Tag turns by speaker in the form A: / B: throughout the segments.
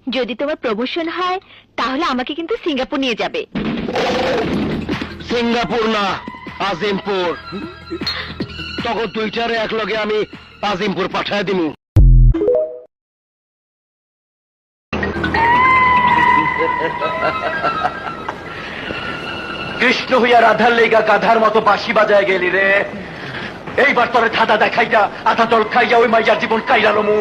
A: যদি তোমার প্রমোশন হয় তাহলে আমাকে কিন্তু সিঙ্গাপুর নিয়ে যাবে।
B: সিঙ্গাপুর না, আজিমপুর। তখন দুইটারে একলগে আমি আজিমপুর পাঠায় দিমু। কৃষ্ণ হইয়া রাধার লেগা গাধার মতো বাঁশি বাজায় গেলি রে। এইবার তোরে ধাঁধা দেখাইয়া আধা জল খাইয়া ওই মাইয়ার জীবন কাইরালমু।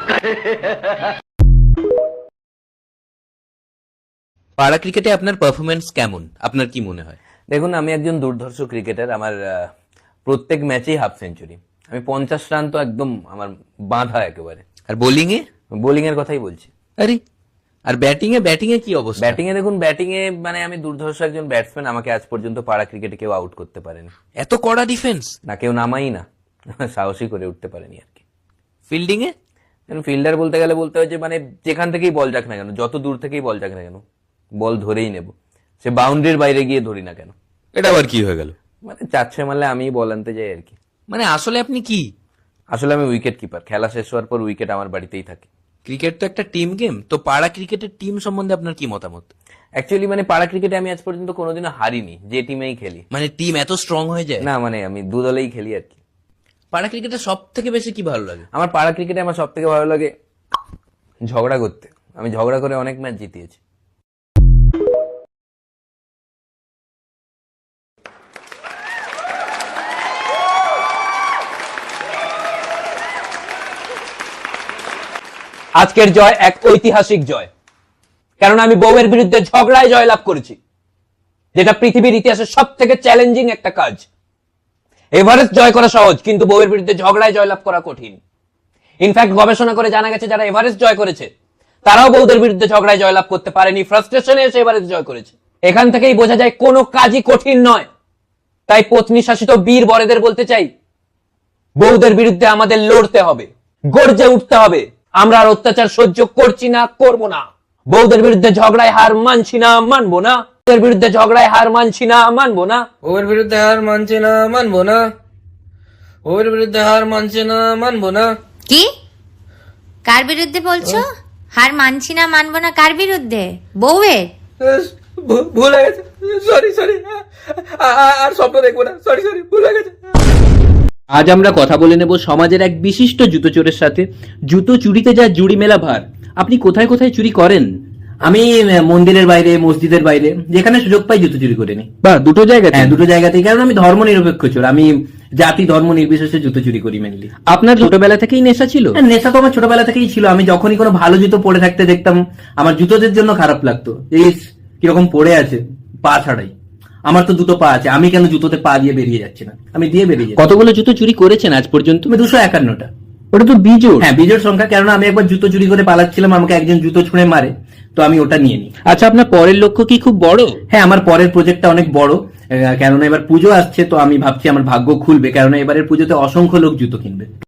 C: পাড়া ক্রিকেটে আপনার পারফরমেন্স কেমন, আপনার কি মনে হয়?
D: দেখুন, আমি একজন দুর্ধর্ষ ক্রিকেটার। আমার প্রত্যেক ম্যাচেই হাফ সেঞ্চুরি। আমি 50 রান তো একদম আমার বাঁধা একেবারে।
C: আর বোলিং এ?
D: বোলিং এর কথাই বলছি।
C: আরে, আর ব্যাটিং এ কি অবস্থা?
D: ব্যাটিং এ দেখুন, ব্যাটিং এ মানে আমি দুর্ধর্ষ একজন ব্যাটসম্যান। আমাকে আজ পর্যন্ত পাড়া ক্রিকেটে কেউ আউট করতে পারেনি।
C: এত কড়া ডিফেন্স?
D: না, কেউ নামাই না, সাহসী করে উঠতে পারেনি আর কি।
C: ফিল্ডিং এ?
D: ফিল্ডার বলতে গেলে বলতে হয় যে মানে যেখান থেকেই বল যাক না কেন, যত দূর থেকেই বল যাক না কেন, বল ধরেই নেব। সে বাউন্ডারির বাইরে গিয়ে ধরি না কেন।
C: এটা আবার কি হয়ে গেল?
D: মানে 4-6 মারলে আমি বল আনতে যাই আর কি।
C: মানে আসলে আপনি কি?
D: আসলে আমি উইকেট কিপার। খেলা শেষ হওয়ার পর উইকেট আমার বাড়িতেই থাকে।
C: ক্রিকেট তো একটা টিম গেম, তো পাড়া ক্রিকেটের টিম সম্বন্ধে আপনার কি মতামত?
D: অ্যাকচুয়ালি মানে পাড়া ক্রিকেটে আমি আজ পর্যন্ত কোনোদিনও হারিনি, যে টিমেই খেলি।
C: মানে টিম এত স্ট্রং হয়ে যায়?
D: না, মানে আমি দু দলেই খেলি আর কি।
C: পাড়া ক্রিকেটে সব থেকে বেশি কি ভালো লাগে?
D: আমার পাড়া ক্রিকেটে আমার সব থেকে ভালো লাগে ঝগড়া করতে। আমি ঝগড়া করে অনেক ম্যাচ জিতিয়েছি।
E: আজকের জয় এক ঐতিহাসিক জয়, কারণ আমি বউয়ের বিরুদ্ধে ঝগড়ায় জয়লাভ করেছি, যেটা পৃথিবীর ইতিহাসে সব থেকে চ্যালেঞ্জিং একটা কাজ। এভারেস্ট জয় করা সহজ, কিন্তু বউয়ের বিরুদ্ধে ঝগড়ায় জয়লাভ করা কঠিন। ইনফ্যাক্ট গবেষণা করে জানা গেছে যারা এভারেস্ট জয় করেছে তারাও বউদের বিরুদ্ধে ঝগড়ায় জয়লাভ করতে পারেনি, ফ্রাস্ট্রেশনে এসে এভারেস্ট জয় করেছে। এখান থেকেই বোঝা যায় কোনো কাজই কঠিন নয়। তাই পত্নী শাসিত বীর বরেদের বলতে চাই, বউদের বিরুদ্ধে আমাদের লড়তে হবে, গর্জে উঠতে হবে। আমরা আর অত্যাচার সহ্য করছি না, করব না। বউদের বিরুদ্ধে ঝগড়ায় হার মানছি না, মানবো না। বউদের বিরুদ্ধে ঝগড়ায় হার মানছি না, মানবো না।
F: বউয়ের বিরুদ্ধে হার মানছে না, মানবো না। বউয়ের বিরুদ্ধে হার মানছে না, মানবো না।
G: কি? কার বিরুদ্ধে বলছো? হার মানছি না, মানবো না? কার বিরুদ্ধে? বউয়ের?
F: ভুল হয়ে গেছে, সরি সরি, আর স্বপ্ন দেখবো না, সরি সরি, ভুল হয়ে গেছে।
E: আজ আমরা কথা বলে নেব সমাজের এক বিশিষ্ট জুতো চোরের সাথে। জুতো চুরিতে যা জুড়ি মেলা ভার। আপনি কোথায় কোথায় চুরি করেন?
H: আমি মন্দিরের বাইরে, মসজিদের বাইরে, যেখানে সুযোগ পাই জুতো চুরি করে নি।
E: বা দুটো জায়গাতে?
H: হ্যাঁ, দুটো জায়গাতেই। কারণ আমি ধর্ম নিরপেক্ষ চোর। আমি জাতি ধর্ম নির্বিশেষে জুতো চুরি করি মেনলি।
E: আপনার ছোটবেলা থেকেই নেশা ছিল?
H: নেশা তো আমার ছোটবেলা থেকেই ছিল। আমি যখনই কোনো ভালো জুতো পরে থাকতে দেখতাম, আমার জুতোদের জন্য খারাপ লাগতো। এই কিরকম পড়ে আছে পা ছাড়াই। আমার তো দুটো পা আছে, আমি কেন জুতোতে পা দিয়ে বেরিয়ে যাচ্ছি না? আমি দিয়ে বেরিয়ে যাচ্ছি।
E: কতগুলো জুতো চুরি করেছেন আজ পর্যন্ত?
H: তুমি 251টা।
E: ওটা তো বিজোড়।
H: হ্যাঁ, বিজোড় সংখ্যা। কারণ আমি একবার জুতো চুরি করে পালাচ্ছিলাম, আমাকে একজন জুতো ছুঁড়ে মারে, তো আমি ওটা নিয়ে নিই।
E: আচ্ছা, আপনার পরের লক্ষ্য কি খুব বড়?
H: হ্যাঁ, আমার পরের প্রজেক্টটা অনেক বড়। কেননা এবার পুজো আসছে, তো আমি ভাবছি আমার ভাগ্য খুলবে, কেননা এবারের পুজোতে অসংখ্য লোক জুতো কিনবে।